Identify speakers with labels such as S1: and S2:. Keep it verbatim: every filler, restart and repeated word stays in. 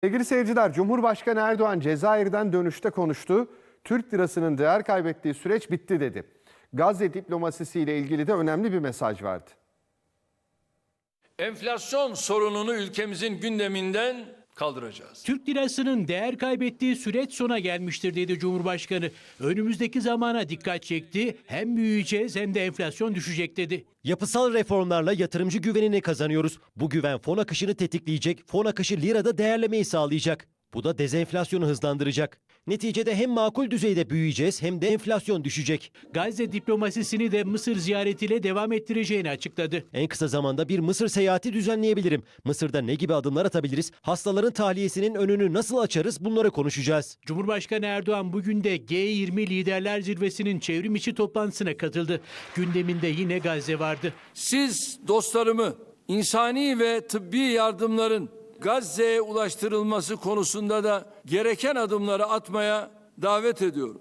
S1: Sevgili seyirciler, Cumhurbaşkanı Erdoğan Cezayir'den dönüşte konuştu. Türk lirasının değer kaybettiği süreç bitti dedi. Gazze diplomasisiyle ilgili de önemli bir mesaj verdi.
S2: Enflasyon sorununu ülkemizin gündeminden kaldıracağız.
S3: Türk lirasının değer kaybettiği süreç sona gelmiştir dedi Cumhurbaşkanı. Önümüzdeki zamana dikkat çekti. Hem büyüyeceğiz hem de enflasyon düşecek dedi.
S4: Yapısal reformlarla yatırımcı güvenini kazanıyoruz. Bu güven fon akışını tetikleyecek, fon akışı lirada değerlemeyi sağlayacak. Bu da dezenflasyonu hızlandıracak. Neticede hem makul düzeyde büyüyeceğiz hem de enflasyon düşecek.
S3: Gazze diplomasisini de Mısır ziyaretiyle devam ettireceğini açıkladı.
S4: En kısa zamanda bir Mısır seyahati düzenleyebilirim. Mısır'da ne gibi adımlar atabiliriz? Hastaların tahliyesinin önünü nasıl açarız? Bunları konuşacağız.
S3: Cumhurbaşkanı Erdoğan bugün de G yirmi Liderler Zirvesi'nin çevrim içi toplantısına katıldı. Gündeminde yine Gazze vardı.
S2: Siz dostlarımı insani ve tıbbi yardımların Gazze'ye ulaştırılması konusunda da gereken adımları atmaya davet ediyorum.